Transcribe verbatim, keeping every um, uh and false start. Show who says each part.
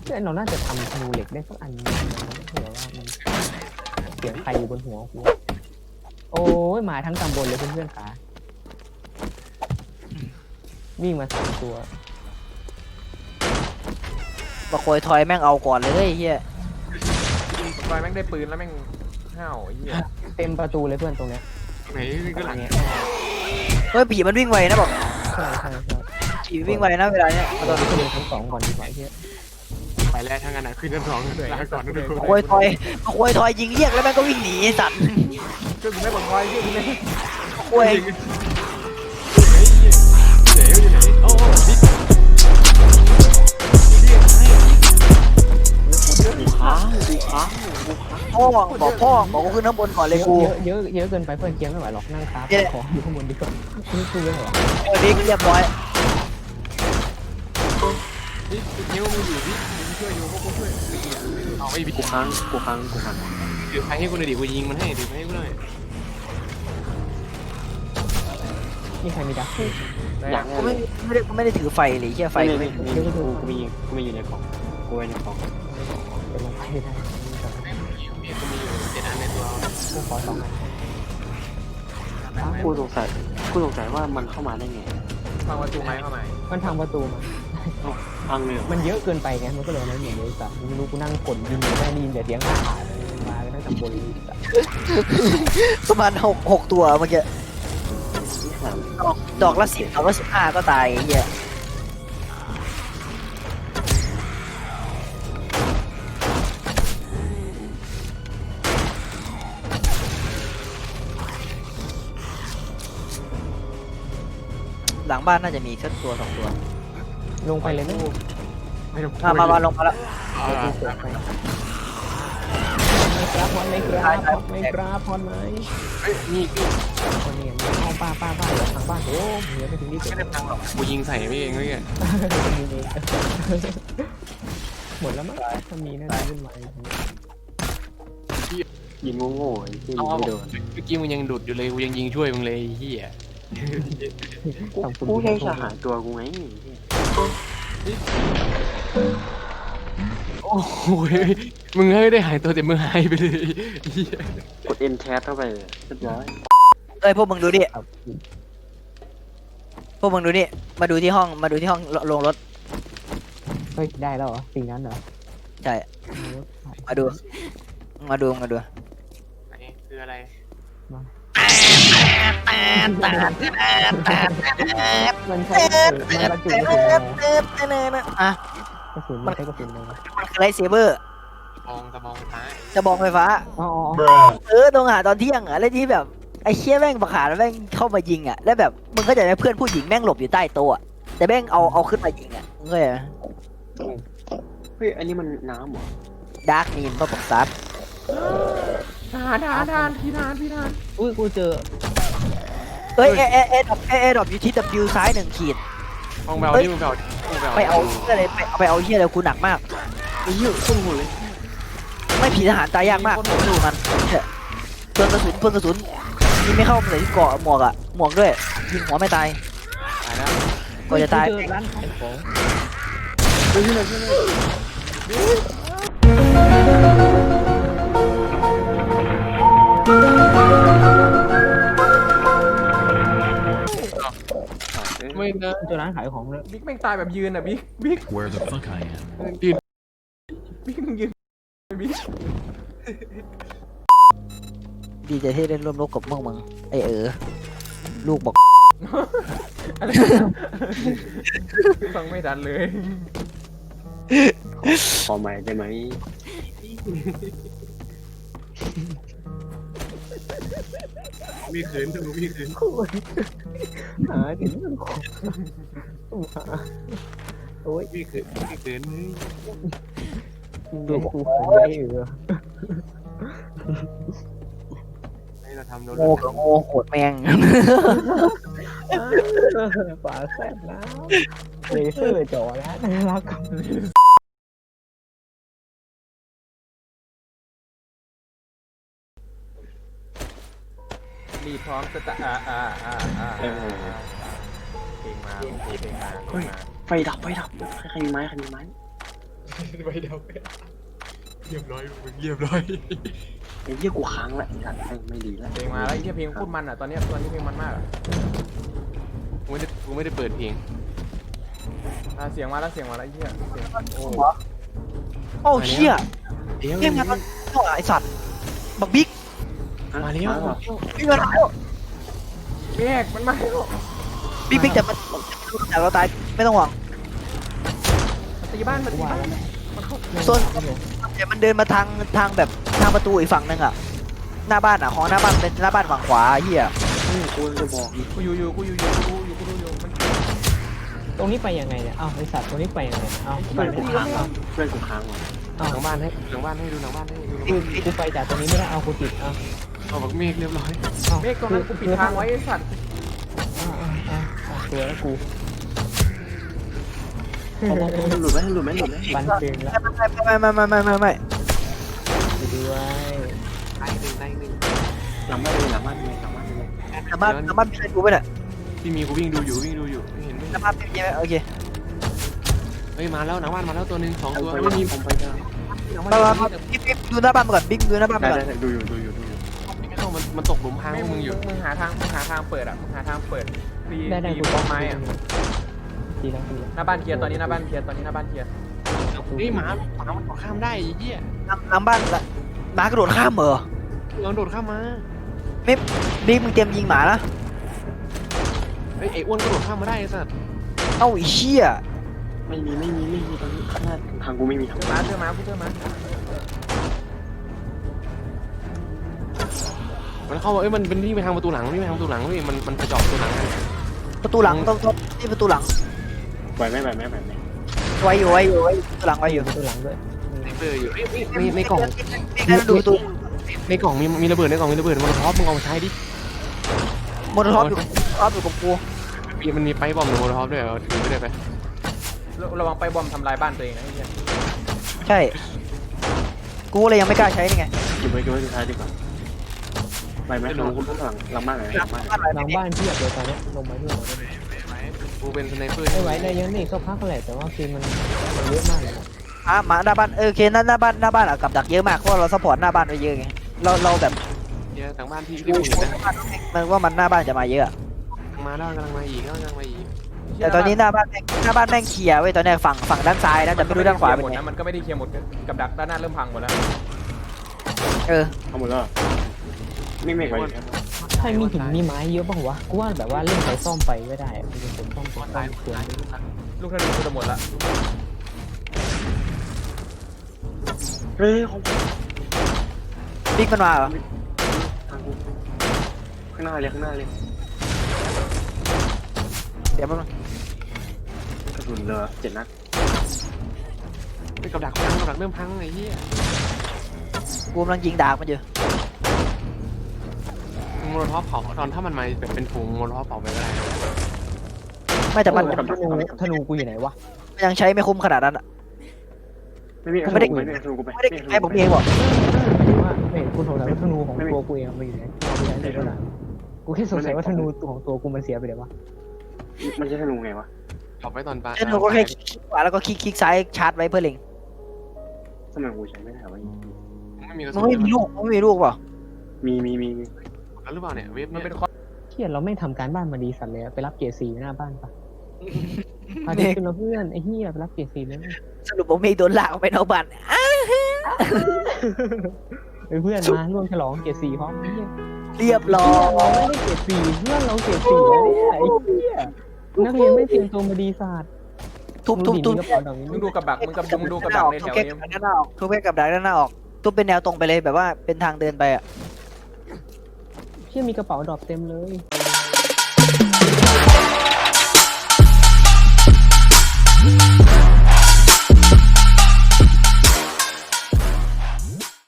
Speaker 1: พื่อนเราน่าจะทำธนูเหล็กได้สักอันนึงเผื่อว่ามันเสียงใครอยู่บนหัวกูโอ้ยมาทั้งตำบลเลยเพื่อนๆขาวิ่งมาสามตัว
Speaker 2: บะโคยทอยแม่งเอาก่อนเลยเฮีย
Speaker 3: ตอนแม่งได้ปืนแล้วแม่งห้าวไอ้เหี้ย
Speaker 1: เต็มประตูเลยเพื่อนตรงเนี้ย
Speaker 4: ไหนก็หลัง
Speaker 1: เนี้ย
Speaker 2: เฮ้ยผีมันวิ่งไวนะบอก
Speaker 1: ใช่ใช่ใช่
Speaker 2: ผีวิ่งไวนะเวลาเนี้ย
Speaker 1: เอาตอนนี้ขึ้นไปชั้นสองก่อนดีกว่าเฮีย
Speaker 4: ไปแล้วทางนั้นขึ้นชั้นสองลาก่อนนะทุกคน
Speaker 2: บะโคยทอยบะโคยทอยยิงเรียกแล้วแม่งก็วิ่งหนีสัตว์
Speaker 3: ก็กูไม่บอกคอยที่กูไม่
Speaker 2: บะโคย
Speaker 4: เจ๋อยู่ไหนโอ้บิ๊กเรียกให้บิ๊กค้างบิ๊กค้าง
Speaker 2: พ่อบอกพ่อบอกกูขึ้นข้างบนก่อนเลยกู
Speaker 1: เยอะเยอะเยอะเกินไปเพื่อนเกียร์ไม่ไหวหรอกนั่งครับขออยู่ข้างบนดีกว่านี่คือเรื่องหรอ
Speaker 2: เออบิ๊กเรียบร้อย
Speaker 4: บิ๊กนิ้วมึงอยู่บิ๊กมึงช่วยอยู่พวกกูช่วยเอาไอ้บิ๊กกูค้างกูค้างกูค้างถือไฟให้กูหน่อยดิกูยิงมันให้ถือไฟให้กูหน่อย
Speaker 1: นี่ใครมีดัก
Speaker 4: อยาก
Speaker 2: กูไม่ไม่ได้กูไม่ได้ถือไฟเลยเฮียไฟกูไม่
Speaker 4: กูมีกูมีกูมีอยู่ในกล่องกูไว้ในกล่อง
Speaker 1: เป็นลงไปได้
Speaker 4: กูมีอยู่เจ็ดอันในตัว
Speaker 1: กูขอสองอัน
Speaker 4: กูสงสัยกูสงสัยว่ามันเข้ามาได้ไง
Speaker 3: ฟังประตูไม้เข้ามา
Speaker 1: มันทางประตูมา
Speaker 4: พังเลย
Speaker 1: มันเยอะเกินไปไงมันก็เลยไม่เหมือนเลยสัตว์ไม่รู้กูนั่งกดยิงอยู่ได้ยินแต่เสียงขาดมากันตั้งแต่บนเลยสัตว์
Speaker 2: ประมาณหกหกตัวเมื่อกี้ดอกดอกละสิบดอกละสิบห้าก็ตายเฮียหลังบ้านน่าจะมีแค่ตัวสองตัว
Speaker 1: ลงไปเลยไหม
Speaker 4: ไม่ต้อง
Speaker 2: มามามาลงมาแล้ว
Speaker 1: กูเสือไปไม่กราบพอนไม่กราบไม่กราบพอนไหม
Speaker 4: เฮ้ยนี่
Speaker 1: คนนี้เอาป้าป้าป้าเดี๋ยวทางบ้านโอ้เหนือไปถึงที่สุด
Speaker 4: ไม่ได้พังหรอกกูยิงใส่ไม่เองเลยแก
Speaker 1: หมดแล้วมั้งถ้ามีน่าจะขึ้นมา
Speaker 4: ยิงโง่ๆที่ไม่โดนเมื่อกี้มึงยังดุดอยู่เลยกูยังยิงช่วยมึงเลยเฮียกูแค่จะหาตัวกูไงโอ้โหมึงไม่ได้หายตัวแต่มึงหายไปเลยกดเอ็นแคสเข้าไปเรียบร้อย
Speaker 2: เอ้ยพวกมึงดูดิพวกมึงดูนี่มาดูที่ห้องมาดูที่ห้องลงรถ
Speaker 1: เฮ้ยได้แล้วเหรอสิ่งนั้นเหรอ
Speaker 2: ใช่มาดูมาดูมาดู
Speaker 4: อันนี้คืออะไร
Speaker 1: มันใช้กระสุนมันบรรจุกระสุนอะไร
Speaker 2: อ่ะ
Speaker 1: กระสุนมันใช้กระสุนอะไร
Speaker 2: มันคือไลท์เซเบอร์
Speaker 4: มองตะมองซ้าย
Speaker 2: จะบองไฟฟ้า
Speaker 1: อ๋อ
Speaker 2: เออตรงหาตอนเที่ยงอ่ะแล้วที่แบบไอ้เชี่ยแม่งประขาแล้วแม่งเข้ามายิงอ่ะแล้วแบบมึงก็จะได้เพื่อนผู้หญิงแม่งหลบอยู่ใต้โต๊ะแต่แม่งเอาเอาขึ้นมายิงอ่ะมึงก็เลย
Speaker 4: เฮ้ยอันนี้มันน้ำเหรอ
Speaker 2: ดาร์กนีนก็บอกซับ
Speaker 3: ทหารทหารทหารพี่ทหารพี่ทหาร
Speaker 1: อุ้ยกูเจอ
Speaker 2: เอ้ยเอเอเอดรอปเอเอดรอปอยู่ที่ W ซ้ายหนึ่งขีด
Speaker 4: มองแบลนี่มึงแบลมึงแบล
Speaker 2: ไปเอาเหี้ยอะไรไปเอาไปเอาเฮียอะไรกูหนักมาก
Speaker 4: ไอ้เหี้ยขึ้นหัวเลย
Speaker 2: ไม่ผีทหารตายยากมากดูมันเพื่อนกระสุนเพื่อนกระสุนยิงไม่เข้าเลยที่เกาะหมวกอ่ะหมวกด้วยยิงหัวไม่ตาย
Speaker 4: ตายแล้ว
Speaker 2: ก็จะตาย
Speaker 1: เจอร้านขายของ
Speaker 4: เฮ้ยที่ไหนที่ไหน ไม่นะ
Speaker 1: เจอร้านขายของเลย
Speaker 3: บิ๊กแม่งตายแบบยืนอ่ะบิ๊กบิ๊ก
Speaker 5: Where the fuck I am?
Speaker 4: ยืน
Speaker 3: บิ๊กมึงยืนบิ๊ก
Speaker 2: ดีใจที่ได้ร่วมรบกับมึงมึงไอเออลูกบอก
Speaker 3: อะไรฟังไม่ทันเลย
Speaker 4: ขอใหม่ได้ไหมมีคืนดูมีคืน
Speaker 1: หาถึงมันของหาโอ้ย
Speaker 4: มีคืนมีคืน
Speaker 1: ดูกูไม่เออ
Speaker 4: ให้เราทำโดน
Speaker 2: โง่กับโง่โหดแมง
Speaker 1: ฝาแซ่บนะเลเซอร์จ่อแล้วน่ารัก
Speaker 3: ดีพร้อมสตาร์อ่าอ่าอ่าอ่าเพลงมาเพลงมาเพลงมา
Speaker 4: ไฟดับไฟดับใครมีไม้ใครมีไม้ใบเดียวเรียบร้อยมึงเรียบร้อยไอ้เหี้ยกูค้างละไอ้สัตว์ไม่ไม่ดีแล้ว
Speaker 3: เพลงมาแล้วไอ้เหี้ยเพลงพูดมันอ่ะตอนเนี้ยตอนนี้เพลงมันมากอ่ะ
Speaker 4: กูไม่ได้กูไม่ได้เปิดเพลง
Speaker 3: อ่ะเสียงมาแล้วเสียงมาแล้วไอ้เหี้ยเสียงโอ้
Speaker 2: โอ้เชี่ย
Speaker 4: เดี๋ยว
Speaker 2: เกมงานมันเท่าไอ้สัตว์บักบิ๊ก
Speaker 4: มาแล้ว
Speaker 2: บิ๊กมาแล้ว
Speaker 3: เมฆมันมาแล้ว
Speaker 2: บิ๊กบิ๊กแต่มันแต่เราตายไม่ต้องห่วง
Speaker 3: มันตีบ้านมันตีบ้านมันเข้า
Speaker 2: ส่วนแต่มันเดินมาทางทางแบบทางประตูอีกฝั่งนึงอ่ะหน้าบ้านอ่ะของหน้าบ้านเป็นหน้าบ้านฝั่งขวาเฮีย
Speaker 4: กูจะบอก
Speaker 3: กูอยู่อยู่กูอยู่อยู่กูอยู่กูดูอยู่มัน
Speaker 1: ตรงนี้ไปยังไงเนี่ยอ้าวไอสัตว์ตรงนี้ไปยังไงอ้าวกูไป
Speaker 4: เพื่อน
Speaker 1: ไม่
Speaker 4: กู
Speaker 1: ได้
Speaker 4: ค้าง
Speaker 1: อ้าว
Speaker 4: เพื่อนกูค้างว่ะ
Speaker 1: อ้าว
Speaker 4: หลังบ้านให้หลังบ้านให้ดูหลังบ้านให้ดู
Speaker 1: กูกูไปจากตรงนี้ไม่ได้เอากูติดอ้าว
Speaker 4: เอาบักเมฆเรียบร้อย
Speaker 1: อ้าว
Speaker 3: เมฆตรงนั้นกูปิดทางไว้ไอ้สัตว์
Speaker 1: อ้าวอ้าวอ้าวอ้าวตัวแล้วกู
Speaker 4: หลุดไหมหลุดไหมหลุดไหม
Speaker 1: บันเทิงแล้ว
Speaker 2: ไม่ไม่ไม่ไม่ไม่ไม่ไม่
Speaker 1: ไปด้วย
Speaker 4: ได้หนึ่งได้หนึ่งหลังบ้านเลยหลังบ้านเลยหลังบ้านเลย
Speaker 2: สามารถสามารถมีใครดูไหมเนี่ย
Speaker 4: ที่มีกูวิ่งดูอยู่วิ่งดูอยู่เห็นไหม
Speaker 2: สามารถมีไหมโอเค
Speaker 4: เฮ้ยมาแล้วหลังบ้านมาแล้วตัวหนึ่งสองตัวไม่มีผมไปจ้า
Speaker 2: มามามาบิ๊กบิ๊กดูหน้าบ้านมาก่อนบิ๊กดูหน้าบ้านมาก่อน
Speaker 4: ดูอยู่ดูอยู่ดูอยู่ไม่เข้ามันมันตกหลุมพราง
Speaker 3: ไม่
Speaker 4: พวก
Speaker 3: มึ
Speaker 4: มึ
Speaker 3: ง
Speaker 4: งอยู่
Speaker 3: มึงหาทางมึงหาทางเปิดอ่ะมึงหาทางเปิดตี
Speaker 1: ได้ได้
Speaker 3: ตี
Speaker 1: กู
Speaker 3: บล็อกไม้อ่ะ
Speaker 1: ดีแล้วดีแล้ว
Speaker 3: หน้าบ้านเคลียร์ตอนนี้หน้าบ้านเคลียร์ตอนนี้หน้าบ้านเคลียร์
Speaker 4: เฮ้ยหมาหมามันข้ามได้ไอ้เหี้ย
Speaker 2: หลังบ้านละหมากระโดดข้ามเหรอ
Speaker 4: ลองโดดข้ามมา
Speaker 2: บิ๊กมึงเตรียมยิงหมานะ
Speaker 4: เฮ้ยไอ้อ้วนก็โดดข้ามมาได้ไอ้สัตว์
Speaker 2: เอ้าไอ้เชี่ย
Speaker 4: ไม่มีไม่มีไม่มีตอนนี้ทางกูไม่มีทาง
Speaker 3: เจอมาเจอมากูเจอมา
Speaker 4: มันเข้ามาเอ้ยมันเป็นนี่ไปทางประตูหลังนี่ไปทางประตูหลังนี่มันมันไปเจาะประตูหลังกัน
Speaker 2: ประตูหลังต้องต้องนี่ประตูหลัง
Speaker 4: ไหวไหมไหวไหมไหวไหม
Speaker 2: ไว้อยู่ไว้อยู่ไว้ประตูหลังไว้อยู่
Speaker 1: ตัวหลังด้วย
Speaker 4: ในเบอร์อยู่ในในกล่อง
Speaker 2: บิ๊กได้ดูประตู
Speaker 4: ในกล่องมีมีระเบิดในกล่องมีระเบิดมันท็อปมึงเอามาใช้ดิ
Speaker 2: มอเตอร์ท็อปอยู่ท็อปอยู่กับกู
Speaker 4: มีมันมีไปบอมหรือโมโลท็อปด้วยเอาถือไม่ได้ไป
Speaker 3: ระวังไปบอมทำลายบ้านตัวเองนะไอ้เหี้ย
Speaker 2: ใช่กูเลยยังไม่กล้าใช้นี่ไง
Speaker 4: เก็บไว้เก็บไว้สุดท้ายดีกว่าไปไหมลงคุณหลังหลังบ้านไหนหลังบ้าน
Speaker 1: หลังบ้านเพียบเลยตอนเนี้ยลงมาเพื่อนเราได้ไหม
Speaker 4: กูเป็นสไนเปอร์
Speaker 1: ไม่ไหวได้เยอะนี่ก็พักแหละแต่ว่าคือมันมันเยอะมากเลยนะ
Speaker 2: อ่ะหมาหน้าบ้านเออโอเคหน้าหน้าบ้านหน้าบ้านอะกับดักเยอะมากเพราะเราซัพพอร์ตหน้าบ้านไว้เยอะไงเราเราแบบ
Speaker 4: เยอะทางบ้านที่ที่มึงเห็นนะ
Speaker 2: มันว่ามันหน้าบ้านจะมาเยอะ
Speaker 4: มาแล้วกำลังมาอีกกำลังมาอีก
Speaker 2: แต่ตอนนี้หน้าบ้านแม่งหน้าบ้านแม่งเคลียร์เว้ยตอนเนี้ยฝั่งฝั่งด้านซ้ายนะแต่ไม่รู้ด้านขวาเป็น
Speaker 3: หมด
Speaker 2: ไง
Speaker 3: นะมันก็ไม่ได้เคลียร์หมดกับดักด้านหน้าเริ่มพังหมดแล้ว
Speaker 2: เออ
Speaker 4: เอาหมดแล้วไม่ไม่ไหว
Speaker 1: ใครมีหินมีไม้เยอะบ้างวะกูว่าแบบว่าเล่นไปซ่อมไปก็ได้มีคนซ่อมซ่อมซ่อมเสียง
Speaker 3: ลูกธนูกูจะหมดละ
Speaker 4: เฮ้ย
Speaker 2: บิ๊กมันมาเหรอ
Speaker 4: ทางกูข้างหน้าเลยข้างหน้าเลย
Speaker 2: เดี๋ยวมัน
Speaker 4: กระสุนเหลือเจ็ดนัดไปกับดักพังกับดักเริ่มพังไอ้เหี้ย
Speaker 2: กูกำลังยิงดาบมันอยู่
Speaker 4: โมโลท็อปเผาตอนถ้ามันมาแบบเป็นถุงโมโลท็อปเผาไปก็ได้
Speaker 2: ไม่แต่มัน
Speaker 1: ธนูธนูกูอยู่ไหนวะ
Speaker 2: มันยังใช้ไม่คุ้มขนาดนั้นอะ
Speaker 4: ไม่มี
Speaker 2: ไม่ได้
Speaker 4: ไม่ได้ถุงกูไป
Speaker 2: ไม่ได้ไอ้ผมเองบอก
Speaker 1: ว่าไม่เห็นคุณสงสัยว่าธนูของตัวกูเองมันอยู่ไหนกูใช้ในตัวหลังกูแค่สงสัยว่าธนูตัวของตัวกูมันเสียไปเลยวะ
Speaker 4: มันใช้ธนูไงวะเผาไปตอนปลา
Speaker 2: ฉันก็แค่คลิกขวาแล้วก็คลิกคลิกซ้ายชาร์จไว้เพื่อเล็ง
Speaker 4: ทำไมกูใช้ไม่ได้วะไม่มีกระ
Speaker 2: มั
Speaker 4: สุ
Speaker 2: น
Speaker 4: น
Speaker 2: ไม่มีลูกมันไม่มีลูกเปล่า
Speaker 4: มีมีมีหรือเปล่าเนี่ยเว็บ
Speaker 3: มัน
Speaker 4: เนี่ย
Speaker 3: เป็นคอ
Speaker 1: เที่ยเราไม่ทำการบ้านมาดีสัตว์เลยไปรับเกียร์สี่หน้าบ้านปะพาเด็กขึ้นมาเพื่อนไอ้เหี้ยไปรับเกียร์สี่เลย
Speaker 2: สรุปผมไม่โดนลากออกไปนอกบ้าน
Speaker 1: เพื่อนมาร่วมฉลองเกียร์สี่พร้อมไอ้เหี้ย
Speaker 2: เรียบร้อ
Speaker 1: เรา
Speaker 2: ย
Speaker 1: ไม่ได้เกียร์สี่เพื่อนเราเกียร์สี่แล้วเนี่ยไอ้เหี้ยนักเรียนไม่เตรียมตัวมาดีศาสตร์
Speaker 2: ทุบทุบทุบ
Speaker 1: กระเป๋าดอกนี้
Speaker 3: มึงดูกับดักมึงกับมึงดูกับดักในแถว
Speaker 2: ทุบแค่
Speaker 3: นี้
Speaker 2: กับดักด้านหน้าออกทุบแค่กับดักด้านหน้าออกทุบเป็นแนวตรงไปเลยแบบว่าเป็นทางเดินไปอะ
Speaker 1: เชี่ยมีกระเป๋าดอกเต็มเลย